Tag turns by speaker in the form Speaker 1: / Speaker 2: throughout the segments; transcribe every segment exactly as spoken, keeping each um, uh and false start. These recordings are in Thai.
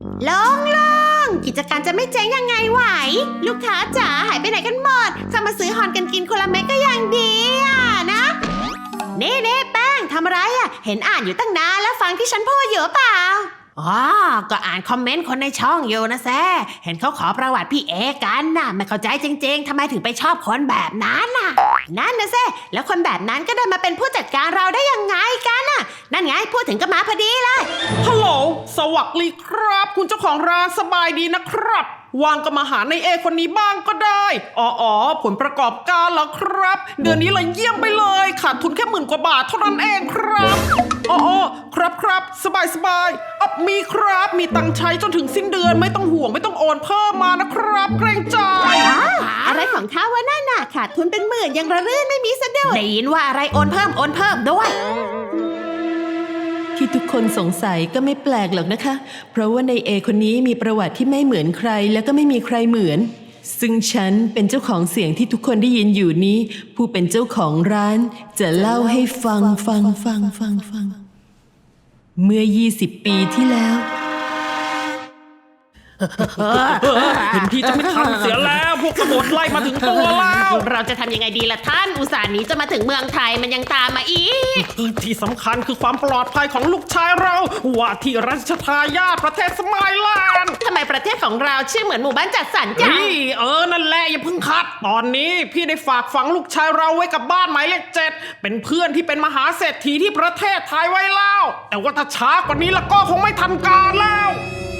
Speaker 1: ลงลงกิจการจะไม่เจ๊งยังไงไหวลูกค้าจ๋าหายไปไหนกันหมดเข้ามาซื้อฮอนกันกินคนละเม็ดก็ยังดีอ่ะนะเน่เน่แป้งทำอะไรอ่ะเห็นอ่านอยู่ตั้งนานแล้วฟังที่ฉันพูดอยู่เปล่าอ๋อก็อ่านคอมเมนต์คนในช่องอยู่นะแซ่เห็นเขาขอประวัติพี่เอกันน่ะไม่เข้าใจจริงๆทำไมถึงไปชอบคนแบบนั้นน่ะนั่นนะแซ่แล้วคนแบบนั้นก็ได้มาเป็นผู้จัดการเราได้ยังไงกันน่ะนั่นไงพูดถึงก็มาพอดีเลย
Speaker 2: ฮัลโหลสวัสดีครับคุณเจ้าของร้านสบายดีนะครับวางก็มาหาในเอคนนี้บ้างก็ได้อ๋ออ๋อผลประกอบการเหรอครับเดือนนี้เลยเยี่ยมไปเลยขาดทุนแค่หมื่นกว่าบาทเท่านั้นเองครับอ๋ออ๋อครับครับสบายสบายอ่ะมีครับมีตังค์ใช้จนถึงสิ้นเดือนไม่ต้องห่วงไม่ต้องโอนเพิ่มมานะครับเกรงใจ
Speaker 1: อะไรของเขาวะนั่นน่ะขาดทุนเป็นหมื่นยังระรื่นไม่มีสะดุดได้ยินว่าอะไรโอนเพิ่มโอนเพิ่มด้วย
Speaker 3: ที่ทุกคนสงสัยก็ไม่แปลกหรอกนะคะเพราะว่าในเอคนนี้มีประวัติที่ไม่เหมือนใครแล้วก็ไม่มีใครเหมือนซึ่งฉันเป็นเจ้าของเสียงที่ทุกคนได้ยินอยู่นี้ผู้เป็นเจ้าของร้านจะเล่าให้ฟังฟังฟังฟังฟังเมื่อยี่สิบปีที่แล้ว
Speaker 2: เห็นที่จะไม่ทันเสียแล้วพวกกบฏไล่มาถึงตัวแล้ว
Speaker 1: เราจะทำยังไงดีล่ะท่านอุตส่าห์หนีจะมาถึงเมืองไทยมันยังตามมาอีก
Speaker 2: ที่สำคัญคือความปลอดภัยของลูกชายเราว่าที่รัชทายาทประเทศสมัยแลนด์
Speaker 1: ทำไมประเทศของเราชื่อเหมือนหมู่บ้านจัดสรรจัง
Speaker 2: เออนั่นแหละอย่าเพิ่งคัดตอนนี้พี่ได้ฝากฝังลูกชายเราไว้กับบ้านหมายเลขเจ็ดเป็นเพื่อนที่เป็นมหาเศรษฐีที่ประเทศไทยไว้แล้วแต่ว่าถ้าช้ากว่านี้แล้วก็คงไม่ทันการแล้ว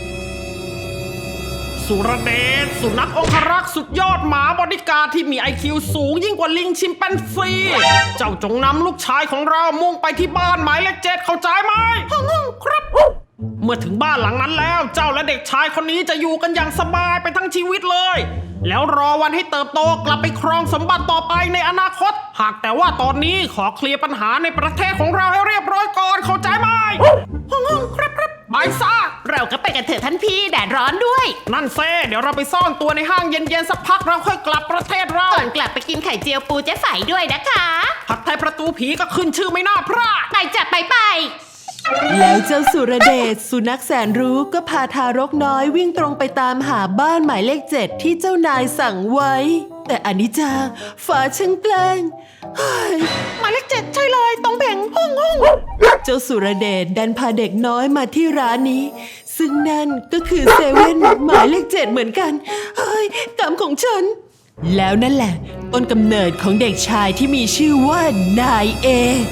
Speaker 2: สุรเดชสุนัของครักษ์สุดยอดหมาบอดี้การ์ดที่มี ไอ คิว สูงยิ่งกว่าลิงชิมแปนซีเจ้าจงนำลูกชายของเรามุ่งไปที่บ้านหมายเลขเจ็ดเข้าใจไหมฮ่องครับเมื่อถึงบ้านหลังนั้นแล้วเจ้าและเด็กชายคนนี้จะอยู่กันอย่างสบายไปทั้งชีวิตเลยแล้วรอวันให้เติบโตกลับไปครองสมบัติต่อไปในอนาคตหากแต่ว่าตอนนี้ขอเคลียร์ปัญหาในประเทศของเราให้เรียบร้อยก่อนเข้าใจไหมฮ่องครับครับไปซะ
Speaker 1: เราก็ไปกันเถอะท่านพี่แดดร้อนด้วย
Speaker 2: นั่นเซ่เดี๋ยวเราไปซ่อนตัวในห้างเย็นๆสักพักเราค่อยกลับประเทศเรา
Speaker 1: ก่อนกลับไปกินไข่เจียวปูเจ๊ไฝด้วยนะคะ
Speaker 2: ผัดไทยประตูผีก็ขึ้นชื่อไม่น่าพลาด
Speaker 1: ไปจัดไปไป
Speaker 3: แล้วเจ้าสุรเดชสุนัขแสนรู้ก็พาทารกน้อยวิ่งตรงไปตามหาบ้านหมายเลขเจ็ดที่เจ้านายสั่งไว้แต่อนิจจาฟ้าช่างแกล้ง
Speaker 1: หมายเลขเจ็ดใช่เลยตรงเพ่งห้องห้อง
Speaker 3: เจ้าสุรเดชดันพาเด็กน้อยมาที่ร้านนี้ซึ่งนั่นก็คือเซเว่นหมายเลขเจ็ดเหมือนกันเฮ้ยกรรมของฉันแล้วนั่นแหละต้นกำเนิดของเด็กชายที่มีชื่อว่านายเอ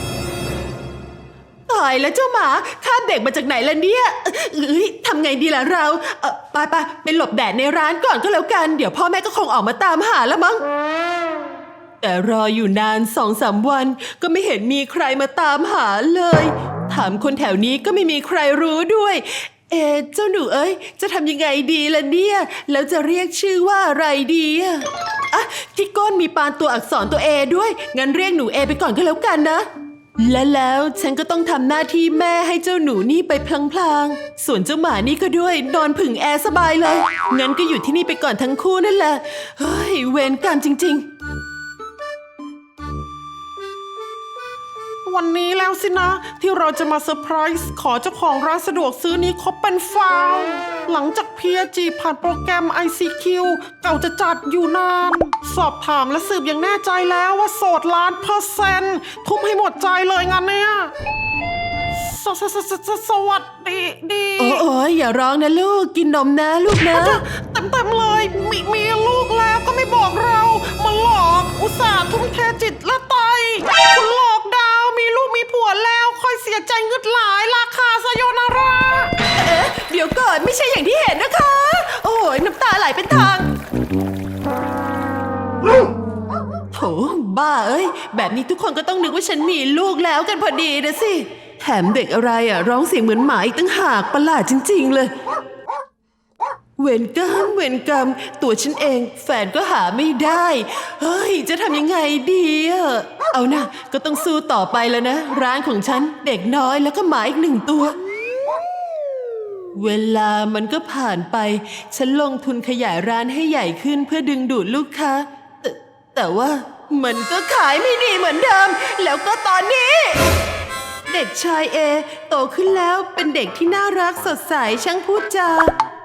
Speaker 3: ตายแล้วเจ้าหมาคาบเด็กมาจากไหนล่ะเนี่ยเอ้ยทำไงดีล่ะเราเออไปไปไปหลบแดดในร้านก่อนก็แล้วกันเดี๋ยวพ่อแม่ก็คงออกมาตามหาแล้วมั้งแต่รออยู่นานสองสามวันก็ไม่เห็นมีใครมาตามหาเลยถามคนแถวนี้ก็ไม่มีใครรู้ด้วยเอ๊ะเจ้าหนูเอ้ยจะทำยังไงดีล่ะเนี่ยแล้วจะเรียกชื่อว่าอะไรดีอะอ่ะที่ก้นมีปานตัวอักษรตัวเอด้วยงั้นเรียกหนูเอไปก่อนก็แล้วกันนะและแล้วฉันก็ต้องทำหน้าที่แม่ให้เจ้าหนูนี่ไปพลางๆส่วนเจ้าหมานี่ก็ด้วยนอนผึ่งแอร์สบายเลยงั้นก็อยู่ที่นี่ไปก่อนทั้งคู่นั่นแหละเฮ้ยเวรกรรมจริงๆ
Speaker 2: วันนี้แล้วสินะที่เราจะมาเซอร์ไพรส์ขอเจ้าของร้านสะดวกซื้อนี้คบเป็นฟาวหลังจาก พี เอ จี ผ่านโปรแกรม ไอ ซี คิว เก่าจะจัดอยู่นานสอบถามและสืบอย่างแน่ใจแล้วว่าโสดล้านเปอร์เซ็นต์ทุ่มให้หมดใจเลยงานเนี้ยสสสสสวัสดีดี
Speaker 3: โอ้โอ้ยอย่าร้องนะลูกกินนมนะลูกนะ
Speaker 2: เต็มเต็มเลยมีมีลูกแล้วก็ไม่บอกเรามาหลอกอุตส่าห์ทุ่มเทจิตและใจคุณหลอกดาวมีลูกมีผัวแล้วค่อยเสียใจงึดหลายราคาซาโยนารา
Speaker 3: เอ๊ะเดี๋ยวก่อนไม่ใช่อย่างที่เห็นนะคะโอ้ยน้ำตาไหลเป็นทางโถบ้าเอ้ยแบบนี้ทุกคนก็ต้องนึกว่าฉันมีลูกแล้วกันพอดีนะสิแถมเด็กอะไรอ่ะร้องเสียงเหมือนหมาอีกตั้งหากประหลาดจริงๆเลยเวรกรรมเวรกรรมตัวฉันเองแฟนก็หาไม่ได้เฮ้ยจะทำยังไงดีอ่ะเอานะก็ต้องสู้ต่อไปแล้วนะร้านของฉันเด็กน้อยแล้วก็หมาอีกหนึ่งตัวเวลามันก็ผ่านไปฉันลงทุนขยายร้านให้ใหญ่ขึ้นเพื่อดึงดูดลูกค้าแต่แต่ว่ามันก็ขายไม่ดีเหมือนเดิมแล้วก็ตอนนี้เด็กชายเอโตขึ้นแล้วเป็นเด็กที่น่ารักสดใสช่างพูดจา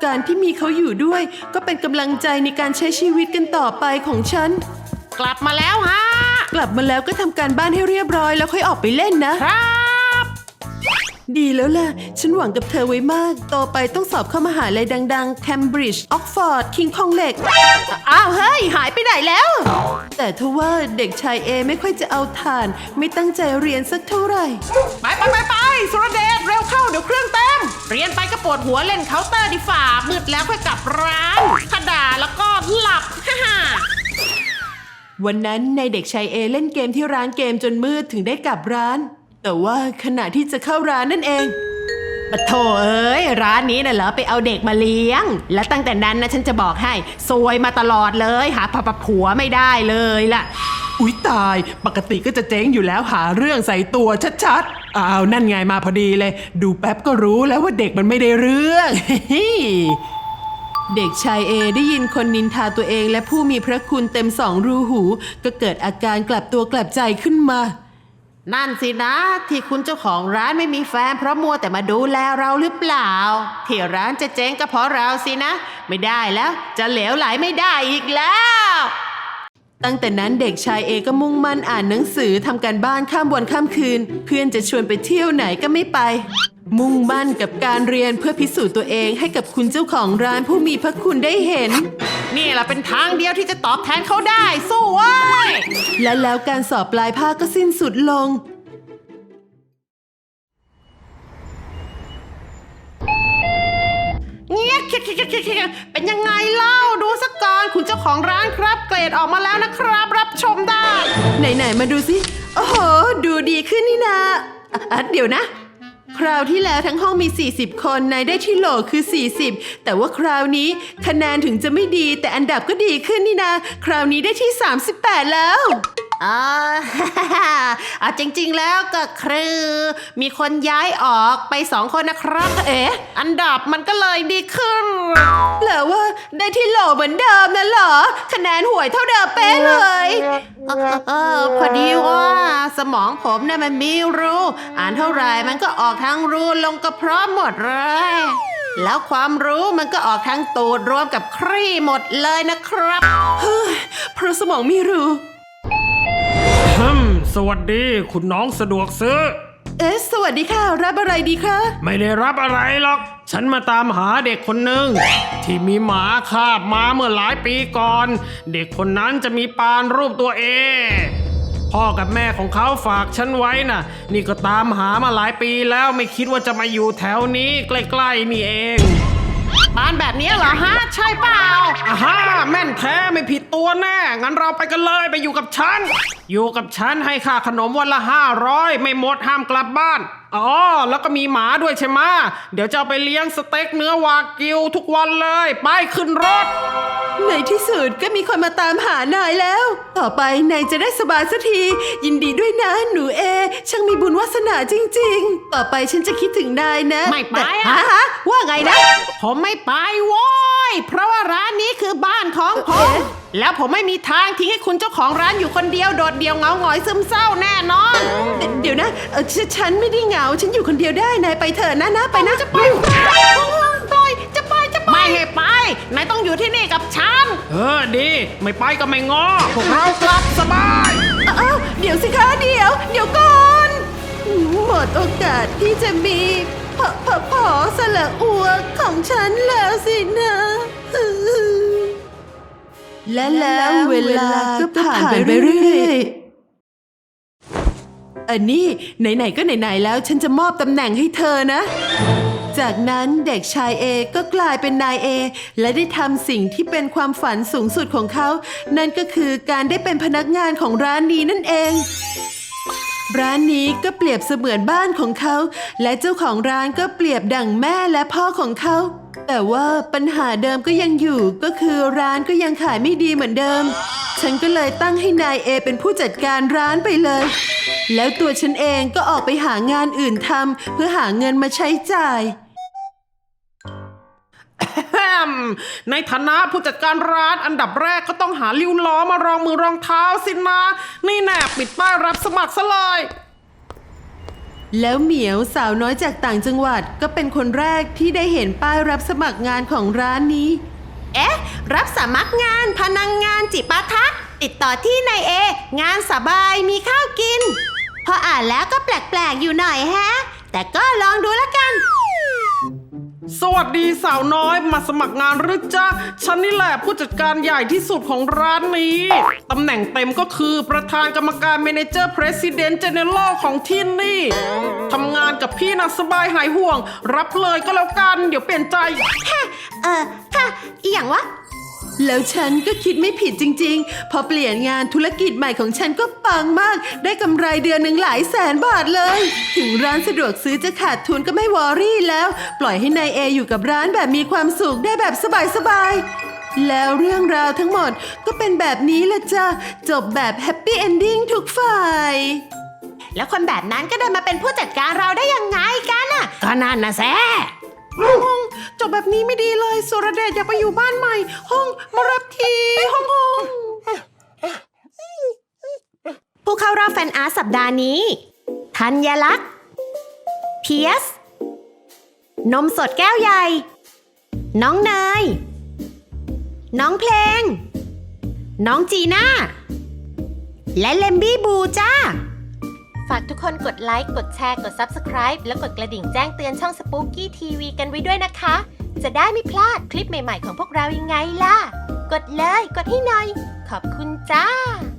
Speaker 3: การที่มีเขาอยู่ด้วย ก็เป็นกำลังใจในการใช้ชีวิตกันต่อไปของฉัน
Speaker 1: กลับมาแล้วฮะ
Speaker 3: กลับมาแล้วก็ทำการบ้านให้เรียบร้อยแล้วค่อยออกไปเล่นนะ
Speaker 1: ครับ
Speaker 3: ดีแล้วล่ะ ฉันหวังกับเธอไว้มาก ต่อไปต้องสอบเข้ามหาลัยดังๆ แคมบริดจ์ ออกฟอร์ด คิงคองเหล็ก อ้าวเฮ้ย หายไปไหนแล้ว แต่ทว่าเด็กชายเอไม่ค่อยจะเอาถ่าน ไม่ตั้งใจเรียนสักเท่าไหร่
Speaker 1: ไปไปไปไปสุรเดชเร็วเข้าเดี๋ยวเครื่องเต็ม เรียนไปก็ปวดหัวเล่นเคาน์เตอร์ดีฝ่ามืดแล้วค่อยกลับร้านถ้าด่าแล้วก็หลับ ฮ่าฮ่า
Speaker 3: วันนั้นนายเด็กชายเอเล่นเกมที่ร้านเกมจนมืดถึงได้กลับร้าน แต่ว่าขณะที่จะเข้าร้านนั่นเองปะโถเอ้ยร้านนี้น่ะเหรอไปเอาเด็กมาเลี้ยง และตั้งแต่นั้นนะฉันจะบอกให้ซวยมาตลอดเลยหาผับผัวไม่ได้เลยล่ะ อุ๊ยตายปกติก็จะเจ๊งอยู่แล้วหาเรื่องใส่ตัวชัดๆอ้าวนั่นไงมาพอดีเลย ดูแป๊บก็รู้แล้วว่าเด็กมันไม่ได้เรื่อง เด็กชายเอได้ยินคนนินทาตัวเองและผู้มีพระคุณเต็มสองรูหูก็เกิดอาการกลับตัวกลับใจขึ้นมา
Speaker 1: นั่นสินะที่คุณเจ้าของร้านไม่มีแฟนเพราะมัวแต่มาดูแลเราหรือเปล่าที่ร้านจะเจ๊งก็เพราะเราสินะ ไม่ได้แล้วจะเหลวไหลไม่ได้อีกแล้ว
Speaker 3: ตั้งแต่นั้นเด็กชายเอก็มุ่งมั่นอ่านหนังสือทำการบ้านข้ามวันข้ามคืน เพื่อนจะชวนไปเที่ยวไหนก็ไม่ไป มุ่งมั่นกับการเรียนเพื่อพิสูจน์ตัวเองให้กับคุณเจ้าของร้านผู้มีพระคุณได้เห็น
Speaker 1: นี่แหละเป็นทางเดียวที่จะตอบแทนเขาได้สู้เว้ย
Speaker 3: และแล้วการสอบปลายภาคก็สิ้นสุดลง
Speaker 1: เงี้ยเป็นยังไงเล่าดูสักก่อนคุณเจ้าของร้านครับเกรดออกมาแล้วนะครับรับชมได้
Speaker 3: ไหนๆมาดูสิโอ้โหดูดีขึ้นนี่นาอ่ะอ่ะเดี๋ยวนะ คราวที่แล้วทั้งห้องมีสี่สิบคนนายได้ที่โหลคือสี่สิบแต่ว่าคราวนี้คะแนนถึงจะไม่ดีแต่อันดับก็ดีขึ้นนี่นาคราวนี้ได้ที่สามสิบแปดแล้ว
Speaker 1: อ่า อ่ะจริงๆแล้วก็คือมีคนย้ายออกไปสองคนนะครับ
Speaker 3: เอ๊ะ
Speaker 1: อันดับมันก็เลยดีขึ้น
Speaker 3: แปลว่าได้ที่โหลเหมือนเดิมนั่นเหรอคะแนนห่วยเท่าเดิมเป๊ะเลย
Speaker 1: เออเออพอดีว่าสมองผมเนี่ยมันมีรูอ่านเท่าไหร่มันก็ออกทั้งรูลงกระเพาะหมดเลยแล้วความรู้มันก็ออกทั้งตูดรวมกับครี่หมดเลยนะครับ
Speaker 3: เฮ้ยเพราะสมองไม่รู้
Speaker 2: ฮึมสวัสดีคุณน้องสะดวกซื้อ
Speaker 3: เอ๊ะสวัสดีค่ะรับอะไรดีคะ
Speaker 2: ไม่ได้รับอะไรหรอก ฉันมาตามหาเด็กคนหนึ่งที่มีหมาคาบมาเมื่อหลายปีก่อน เด็กคนนั้นจะมีปานรูปตัวเอ พ่อกับแม่ของเขาฝากฉันไว้น่ะ นี่ก็ตามหามาหลายปีแล้วไม่คิดว่าจะมาอยู่แถวนี้ใกล้ๆนี่เอง
Speaker 1: บ้านแบบนี้เหรอฮะ ใช่เปล่า
Speaker 2: อาฮ่าแม่นแท้ไม่ผิดตัวแน่งั้นเราไปกันเลยไปอยู่กับฉัน อยู่กับฉันให้ค่าขนมวันละห้าร้อยไม่หมดห้ามกลับบ้านอ๋อแล้วก็มีหมาด้วยใช่ไหมเดี๋ยวจะเอาไปเลี้ยงสเต็กเนื้อวากิวทุกวันเลยไปขึ้นรถ
Speaker 3: ในที่สุดก็มีคนมาตามหานายแล้ว ต่อไปนายจะได้สบายสักที ยินดีด้วยนะหนูเอ ช่างมีบุญวาสนาจริงๆ ต่อไปฉันจะคิดถึงนายนะ
Speaker 1: ไม่ไปอะ
Speaker 3: ฮะฮะว่าไงนะ
Speaker 1: ผมไม่ไปโว้ยเพราะว่าร้านนี้คือบ้านของผม แล้วผมไม่มีทางทิ้งให้คุณเจ้าของร้านอยู่คนเดียวโดดเดี่ยวเหงาหงอยซึมเศร้าแน่นอน
Speaker 3: เดี๋ยวนะเออฉฉันไม่ได้เหงา ฉันอยู่คนเดียวได้ นายไปเถอะนะนะไปนะจะไป
Speaker 1: ปล่อยจะไปจะไปไม่ให้ไปนายต้องอยู่ที่นี่กับฉัน
Speaker 2: เออดีไม่ไปก็ไม่งอพวกเรากลับสบาย
Speaker 3: อ้าวเดี๋ยวสิคะเดี๋ยว เดี๋ยวก่อน หมดโอกาสที่จะมีพอพอพอสละอัวของฉันแล้วสินะ และแล้วเวลาก็ผ่านไปเรื่อยๆอันนี้ไหนๆก็ไหนๆแล้วฉันจะมอบตำแหน่งให้เธอนะ จากนั้นเด็กชายเอก็กลายเป็นนายเอและได้ทำสิ่งที่เป็นความฝันสูงสุดของเขา นั่นก็คือการได้เป็นพนักงานของร้านนี้นั่นเอง ร้านนี้ก็เปรียบเสมือนบ้านของเขา และเจ้าของร้านก็เปรียบดั่งแม่และพ่อของเขา แต่ว่าปัญหาเดิมก็ยังอยู่ก็คือร้านก็ยังขายไม่ดีเหมือนเดิม ฉันก็เลยตั้งให้นายเอเป็นผู้จัดการร้านไปเลย แล้วตัวฉันเองก็ออกไปหางานอื่นทำเพื่อหาเงินมาใช้จ่าย
Speaker 2: แฮมในฐานะผู้จัดการร้านอันดับแรกก็ต้องหาลิ้วล้อมารองมือรองเท้าสินะนี่แน่ปิดป้ายรับสมัครซะเลย
Speaker 3: แล้วเหมียวสาวน้อยจากต่างจังหวัดก็เป็นคนแรกที่ได้เห็นป้ายรับสมัครงานของร้านนี้
Speaker 1: เอ๊ะ รับสมัครงานพนักงงานจิปาถะติดต่อที่นายเองานสบายมีข้าวกิน พออ่านแล้วก็แปลกๆอยู่หน่อยแฮะ แต่ก็ลองดูแล้วกัน
Speaker 2: สวัสดีสาวน้อยมาสมัครงานหรือจ๊ะฉันนี่แหละผู้จัดการใหญ่ที่สุดของร้านนี้ตำแหน่งเต็มก็คือประธานกรรมการเมเนเจอร์ President General ของที่นี่ทำงานกับพี่นะสบายหายห่วง รับเลยก็แล้วกันเดี๋ยวเปลี่ยนใจ
Speaker 1: เออค่ะอีหยังวะ
Speaker 3: แล้วฉันก็คิดไม่ผิดจริงๆ พอเปลี่ยนงานธุรกิจใหม่ของฉันก็ปังมาก ได้กำไรเดือนหนึ่งหลายแสนบาทเลย ถึงร้านสะดวกซื้อจะขาดทุนก็ไม่วอรี่แล้ว ปล่อยให้นายเออยู่กับร้านแบบมีความสุขได้แบบสบายๆ แล้วเรื่องราวทั้งหมดก็เป็นแบบนี้ละจ้ะ จบแบบแฮปปี้เอนดิ้งทุกฝ่าย
Speaker 1: แล้วคนแบบนั้นก็ได้มาเป็นผู้จัดการเราได้ยังไงกันอ่ะ ก็นั่นนะแซ่
Speaker 2: ห้องจบแบบนี้ไม่ดีเลยสุรเดชอยากไปอยู่บ้านใหม่ ห้องมารับทีห้องห้อง
Speaker 1: ผู้เข้ารอบแฟนอาร์ตสัปดาห์นี้ ธัญลักษณ์เพียส นมสดแก้วใหญ่ น้องเนย น้องเพลง น้องจีน่า และเลมบี้บูจ้า ฝากทุกคนกดไลค์ กดแชร์ กด ซับสไครบ์ และกดกระดิ่งแจ้งเตือนช่อง Spooky ที วี กันไว้ด้วยนะคะ จะได้ไม่พลาดคลิปใหม่ๆของพวกเรายังไงล่ะ กดเลย กดให้หน่อย ขอบคุณจ้า